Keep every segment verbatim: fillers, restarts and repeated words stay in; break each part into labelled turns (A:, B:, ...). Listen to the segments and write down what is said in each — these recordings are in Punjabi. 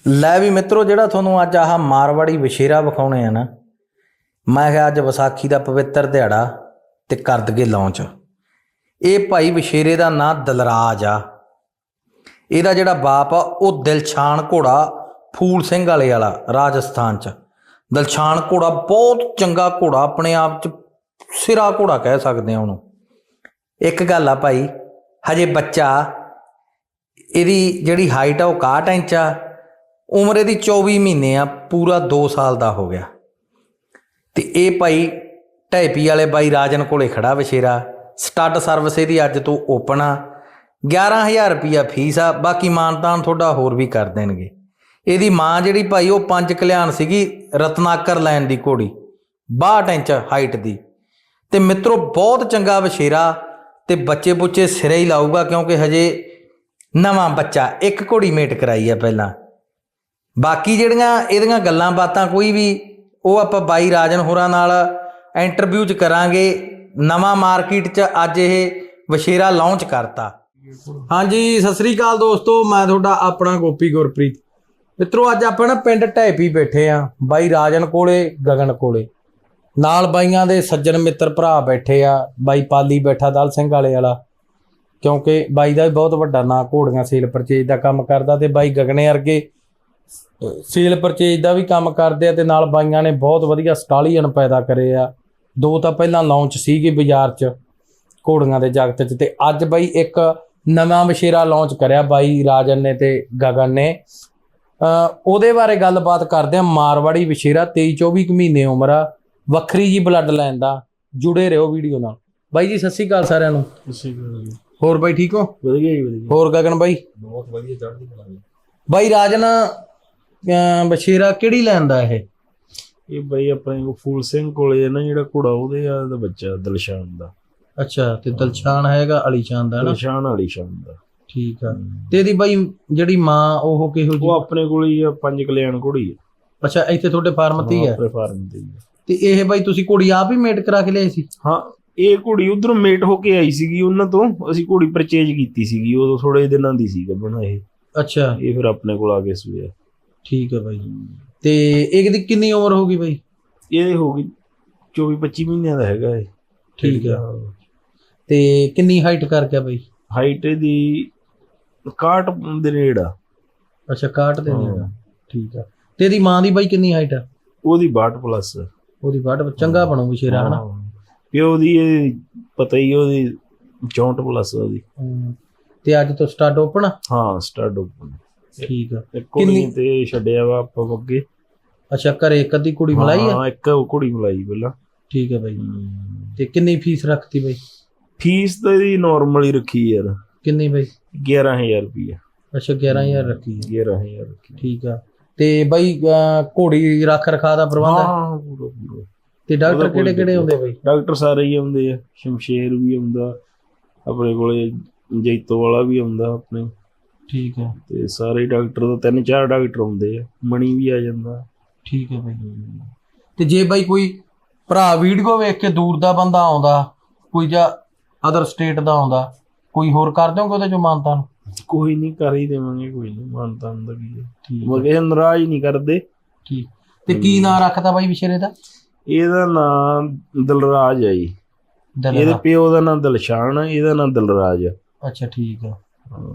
A: ਲੈ ਵੀ ਮਿत्रो ਜਿਹੜਾ ਤੁਹਾਨੂੰ ਅੱਜ ਆਹ ਮਾਰਵਾੜੀ ਵਛੇਰਾ ਵਿਖਾਉਣੇ ਆ ਨਾ, ਮੈਂ ਕਿਹਾ ਅੱਜ ਵਿਸਾਖੀ ਦਾ ਪਵਿੱਤਰ ਦਿਹਾੜਾ ਤੇ ਕਰ ਦਈਏ ਲਾਂਚ। ਇਹ ਭਾਈ ਵਛੇਰੇ ਦਾ ਨਾਂ ਦਲਰਾਜ ਆ। ਇਹਦਾ ਜਿਹੜਾ ਬਾਪ ਆ ਉਹ ਦਿਲਸ਼ਾਨ ਘੋੜਾ ਫੂਲ ਸਿੰਘ ਵਾਲੇ ਵਾਲਾ ਰਾਜਸਥਾਨ 'ਚ। ਦਿਲਸ਼ਾਨ ਘੋੜਾ ਬਹੁਤ ਚੰਗਾ ਘੋੜਾ, ਆਪਣੇ ਆਪ 'ਚ ਸਿਰਾ ਘੋੜਾ ਕਹਿ ਸਕਦੇ ਆ ਉਹਨੂੰ। ਇੱਕ ਗੱਲ ਆ ਭਾਈ, ਹਜੇ ਬੱਚਾ, ਇਹਦੀ ਜਿਹੜੀ ਹਾਈਟ ਆ ਉਹ ਇਕਾਹਠ ਇੰਚ ਆ, ਉਮਰ ਇਹਦੀ ਚੌਵੀ ਮਹੀਨੇ ਆ, ਪੂਰਾ ਦੋ ਸਾਲ ਦਾ ਹੋ ਗਿਆ। ਤੇ ਇਹ ਭਾਈ ਢੈਪੀ ਵਾਲੇ ਬਾਈ ਰਾਜਨ ਕੋਲੇ ਖੜਾ ਵਛੇਰਾ। ਸਟੱਡ ਸਰਵਿਸ ਇਹਦੀ ਅੱਜ ਤੋਂ ਓਪਨ ਆ। ਗਿਆਰਾਂ ਹਜ਼ਾਰ ਰੁਪਈਆ ਫੀਸ ਆ, ਬਾਕੀ ਮਾਨਤਾਨ ਤੁਹਾਡਾ ਹੋਰ ਵੀ ਕਰ ਦੇਣਗੇ। ਇਹਦੀ ਮਾਂ ਜਿਹੜੀ ਭਾਈ ਉਹ ਪੰਜ ਕਲਿਆਣ ਸੀਗੀ, ਰਤਨਾਕਰ ਲੈਣ ਦੀ ਘੋੜੀ, ਬਾਹਠ ਇੰਚ ਹਾਈਟ ਦੀ। ਤੇ ਮਿੱਤਰੋ ਬਹੁਤ ਚੰਗਾ ਵਛੇਰਾ, ਤੇ ਬੱਚੇ ਬੁੱਚੇ ਸਿਰੇ ਹੀ ਲਾਊਗਾ ਕਿਉਂਕਿ ਹਜੇ ਨਵਾਂ ਬੱਚਾ, ਇੱਕ ਘੋੜੀ ਮੇਟ ਕਰਾਈ ਆ ਪਹਿਲਾਂ। ਬਾਕੀ ਜਿਹੜੀਆਂ ਇਹਦੀਆਂ ਗੱਲਾਂ ਬਾਤਾਂ ਕੋਈ ਵੀ ਉਹ ਆਪਾਂ ਬਾਈ ਰਾਜਨ ਹੋਰਾਂ ਨਾਲ ਇੰਟਰਵਿਊ 'ਚ ਕਰਾਂਗੇ। ਨਵਾਂ ਮਾਰਕੀਟ 'ਚ ਅੱਜ ਇਹ ਵਛੇਰਾ ਲਾਂਚ ਕਰਤਾ। ਹਾਂਜੀ, ਸਤਿ ਸ੍ਰੀ ਅਕਾਲ ਦੋਸਤੋ, ਮੈਂ ਤੁਹਾਡਾ ਆਪਣਾ ਗੋਪੀ ਗੁਰਪ੍ਰੀਤ। ਮਿੱਤਰੋ ਅੱਜ ਆਪਾਂ ਨਾ ਪਿੰਡ ਢੈਪੀ ਬੈਠੇ ਆ, ਬਾਈ ਰਾਜਨ ਕੋਲੇ, ਗਗਨ ਕੋਲੇ। ਨਾਲ ਬਾਈਆਂ ਦੇ ਸੱਜਣ ਮਿੱਤਰ ਭਰਾ ਬੈਠੇ ਆ। ਬਾਈ ਪਾਲੀ ਬੈਠਾ ਦਲ ਸਿੰਘ ਵਾਲੇ ਵਾਲਾ, ਕਿਉਂਕਿ ਬਾਈ ਦਾ ਵੀ ਬਹੁਤ ਵੱਡਾ ਨਾਂ, ਘੋੜੀਆਂ ਸੇਲ ਪਰਚੇਜ ਦਾ ਕੰਮ ਕਰਦਾ। ਤੇ ਬਾਈ ਗਗਨੇ ਵਰਗੇ ਸੇਲ ਪਰਚੇਜ ਦਾ ਵੀ ਕੰਮ ਕਰਦੇ ਆ। ਤੇ ਨਾਲ ਬਾਈਆਂ ਨੇ ਬਹੁਤ ਵਧੀਆ ਸਟਾਲੀਅਨ ਪੈਦਾ ਕਰੇ ਆ। ਦੋ ਤਾਂ ਪਹਿਲਾਂ ਲਾਂਚ ਸੀਗੇ ਬਾਜ਼ਾਰ 'ਚ ਘੋੜੀਆਂ ਦੇ ਜਗਤ 'ਚ, ਤੇ ਅੱਜ ਬਾਈ ਇੱਕ ਨਵਾਂ ਵਛੇਰਾ ਲਾਂਚ ਕਰਿਆ ਬਾਈ ਰਾਜਨ ਨੇ ਤੇ ਗਗਨ ਨੇ। ਉਹਦੇ ਬਾਰੇ ਗੱਲਬਾਤ ਕਰਦੇ ਆ। ਮਾਰਵਾੜੀ ਵਛੇਰਾ, ਤੇਈ ਚੌਵੀ ਕੁ ਮਹੀਨੇ ਉਮਰ ਆ, ਵੱਖਰੀ ਜੀ ਬਲੱਡ ਲਾਈਨ ਦਾ। ਜੁੜੇ ਰਹੋ ਵੀਡੀਓ ਨਾਲ। ਬਾਈ ਜੀ ਸਤਿ ਸ਼੍ਰੀ ਅਕਾਲ ਸਾਰਿਆਂ ਨੂੰ।
B: ਸਤਿ ਸ਼੍ਰੀ ਅਕਾਲ ਜੀ।
A: ਹੋਰ ਬਾਈ ਠੀਕ ਹੋ?
B: ਵਧੀਆ ਜੀ ਵਧੀਆ।
A: ਹੋਰ ਗਗਨ ਬਾਈ?
B: ਬਹੁਤ ਵਧੀਆ, ਚੜ੍ਹਦੀ ਕਲਾ ਜੀ।
A: ਬਾਈ ਰਾਜਨ ਵਛੇਰਾ ਕਿਹੜੀ ਲੈਣ ਦਾ ਇਹ?
B: ਇਹ ਬਾਈ ਆਪਣੇ ਕੋ ਫੂਲ ਸਿੰਘ ਕੋਲੇ ਨਾ ਜਿਹੜਾ ਘੋੜਾ, ਉਹਦੇ ਆ ਦਾ ਬੱਚਾ ਦਿਲਸ਼ਾਨ ਦਾ।
A: ਅੱਛਾ, ਤੇ ਦਿਲਸ਼ਾਨ ਹੈਗਾ ਅਲੀਸ਼ਾਨ ਦਾ ਨਾ?
B: ਦਿਲਸ਼ਾਨ ਅਲੀਸ਼ਾਨ ਦਾ।
A: ਠੀਕ ਆ। ਤੇ ਇਹਦੀ ਬਾਈ ਜਿਹੜੀ ਮਾਂ ਉਹ ਕਿਹੋ ਜਿਹੀ?
B: ਉਹ ਆਪਣੇ ਕੋਲ ਹੀ ਆ, ਪੰਜ ਕਲਿਆਣ ਘੋੜੀ ਆ।
A: ਅੱਛਾ, ਇੱਥੇ ਤੁਹਾਡੇ ਫਾਰਮ ਤੇ ਹੀ ਆ?
B: ਆਪਣੇ ਫਾਰਮ ਤੇ ਹੀ ਆ।
A: ਤੇ ਇਹ ਬਾਈ ਤੁਸੀਂ ਘੋੜੀ ਆਪ ਹੀ ਮੇਟ ਕਰਾ ਕੇ ਲਿਆਏ ਸੀ?
B: ਹਾਂ, ਇਹ ਘੋੜੀ ਉਧਰੋਂ ਮੇਟ ਹੋ ਕੇ ਆਈ ਸੀਗੀ ਉਹਨਾਂ ਤੋਂ। ਅਸੀਂ ਘੋੜੀ ਪਰਚੇਜ ਕੀਤੀ ਸੀਗੀ, ਉਦੋਂ ਥੋੜੇ ਦਿਨਾਂ ਦੀ ਸੀ ਗੱਭਣ ਇਹ।
A: ਅੱਛਾ,
B: ਇਹ ਫਿਰ ਆਪਣੇ ਕੋਲ ਆ ਕੇ ਸੂਇਆ।
A: ਠੀਕ ਆ ਬਾਈ। ਤੇ ਇਹਦੀ ਕਿੰਨੀ ਉਮਰ ਹੋ ਗਈ ਬਾਈ?
B: ਇਹ ਹੋ ਗਈ ਚੌਵੀ ਪੱਚੀ ਮਹੀਨਿਆਂ ਦਾ ਹੈਗਾ ਇਹ।
A: ਠੀਕ ਆ। ਤੇ ਕਿੰਨੀ ਹਾਈਟ ਕਰ ਗਿਆ ਬਾਈ?
B: ਹਾਈਟ ਇਹਦੀ ਇਕਾਹਠ ਦੇ ਨੇੜੇ ਆ।
A: ਅੱਛਾ, ਇਕਾਹਠ ਦੇ ਨੇੜੇ ਆ। ਠੀਕ ਆ। ਤੇ ਇਹਦੀ ਮਾਂ ਦੀ ਬਾਈ ਕਿੰਨੀ ਹਾਈਟ ਆ?
B: ਉਹਦੀ ਬਾਹਠ ਪਲੱਸ।
A: ਉਹਦੀ ਬਾਹਠ। ਚੰਗਾ ਬਣੂ ਵਛੇਰਾ ਹਨਾ?
B: ਪਿਓ ਦੀ ਇਹ ਪਤਾ ਹੀ, ਉਹਦੀ ਚੌਂਹਠ ਪਲੱਸ ਉਹਦੀ।
A: ਤੇ ਅੱਜ ਤੋਂ ਸਟਾਰਟ ਓਪਨ?
B: ਹਾਂ, ਸਟਾਰਟ ਓਪਨ।
A: ਠੀਕ ਆ।
B: ਕਿੰਨੀ ਤੇ ਛੱਡਿਆ ਵਾ ਆਪਾਂ ਅੱਗੇ।
A: ਅੱਛਾ, ਘਰੇ ਇੱਕ ਅੱਧੀ ਕੁੜੀ ਮਲਾਈ ਆ?
B: ਹਾਂ, ਇੱਕ ਕੁੜੀ ਮਲਾਈ ਪਹਿਲਾਂ।
A: ਠੀਕ ਹੈ ਬਾਈ। ਤੇ ਕਿੰਨੀ ਫੀਸ ਰੱਖਤੀ ਬਾਈ?
B: ਫੀਸ ਤਾਂ ਇਹਦੀ ਨੋਰਮਲ ਹੀ ਰੱਖੀ ਯਾਰ।
A: ਕਿੰਨੀ ਬਾਈ?
B: ਗਿਆਰਾਂ ਹਜ਼ਾਰ ਰੁਪਈਆ।
A: ਅੱਛਾ, ਗਿਆਰਾਂ ਹਜ਼ਾਰ ਰੱਖੀ ਹੈ।
B: ਗਿਆਰਾਂ ਹਜ਼ਾਰ ਰੱਖੀ।
A: ਠੀਕ ਆ। ਤੇ ਬਾਈ ਘੋੜੀ ਰੱਖ ਰਖਾ ਦਾ ਪ੍ਰਬੰਧ?
B: ਹਾਂ, ਪੂਰਾ ਪੂਰਾ।
A: ਤੇ ਡਾਕਟਰ ਕਿਹੜੇ ਕਿਹੜੇ ਹੁੰਦੇ ਬਾਈ?
B: ਡਾਕਟਰ ਸਾਰੇ ਹੀ ਆਉਂਦੇ ਆ। ਸ਼ਮਸ਼ੇਰ ਵੀ ਆਉਂਦਾ ਆਪਣੇ ਕੋਲੇ, ਜੈਤੋ ਵਾਲਾ ਵੀ ਆਉਂਦਾ ਆਪਣੇ।
A: ਠੀਕ ਹੈ।
B: ਤੇ ਸਾਰੇ ਡਾਕਟਰ ਦਾ ਤਿੰਨ ਚਾਰ ਡਾਕਟਰ ਆਉਂਦੇ ਆ। ਮਣੀ ਵੀ ਆ ਜਾਂਦਾ।
A: ਠੀਕ ਹੈ ਬਾਈ। ਤੇ ਜੇ ਬਾਈ ਕੋਈ ਭਰਾ ਵੀਡੀਓ ਵੇਖ ਕੇ ਦੂਰ ਦਾ ਬੰਦਾ ਆਉਂਦਾ, ਕੋਈ ਜਾਂ ਅਦਰ ਸਟੇਟ ਦਾ ਆਉਂਦਾ, ਕੋਈ ਹੋਰ ਕਰ ਦਿਓਗੇ ਉਹਦੇ ਚੋਂ ਮਾਨਤਾਨ?
B: ਕੋਈ ਨਹੀਂ, ਕਰ ਹੀ ਦੇਵਾਂਗੇ। ਕੋਈ ਨਹੀਂ, ਮਾਨਤਾਨ ਦਾ ਕੀ ਹੈ। ਮਗੇ ਨਾਰਾਜ਼ ਨਹੀਂ ਕਰਦੇ।
A: ਠੀਕ। ਤੇ ਕੀ ਨਾਂ ਰੱਖਦਾ ਬਾਈ ਵਛੇਰੇ ਦਾ?
B: ਇਹਦਾ ਨਾਮ ਦਲਰਾਜ ਆ ਜੀ। ਇਹਦੇ ਪਿਓ ਦਾ ਨਾਮ ਦਿਲਸ਼ਾਨ ਆ, ਇਹਦਾ ਨਾਮ ਦਲਰਾਜ ਆ।
A: ਅੱਛਾ, ਠੀਕ ਆ।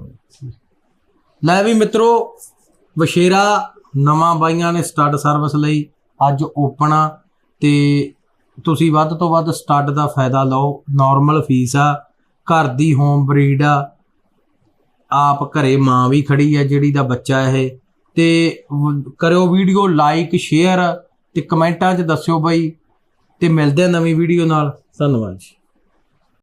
A: ਲੈ ਵੀ ਮਿੱਤਰੋ, ਵਛੇਰਾ ਨਵਾਂ ਬਾਈਆਂ ਨੇ ਸਟੱਡ ਸਰਵਿਸ ਲਈ ਅੱਜ ਓਪਨ ਆ। ਤੇ ਤੁਸੀਂ ਵੱਧ ਤੋਂ ਵੱਧ ਸਟੱਡ ਦਾ ਫਾਇਦਾ ਲਓ। ਨੋਰਮਲ ਫੀਸ ਆ, ਘਰ ਦੀ ਹੋਮ ਬਰੀਡ ਆ, ਆਪ ਘਰੇ ਮਾਂ ਵੀ ਖੜੀ ਆ ਜਿਹੜੀ ਦਾ ਬੱਚਾ ਇਹ। ਤੇ ਕਰਿਓ ਵੀਡੀਓ ਲਾਈਕ, ਸ਼ੇਅਰ ਤੇ ਕਮੈਂਟਾਂ 'ਚ ਦੱਸਿਓ ਬਾਈ। ਤੇ ਮਿਲਦੇ ਆ ਨਵੀਂ ਵੀਡੀਓ ਨਾਲ। ਧੰਨਵਾਦ ਜੀ।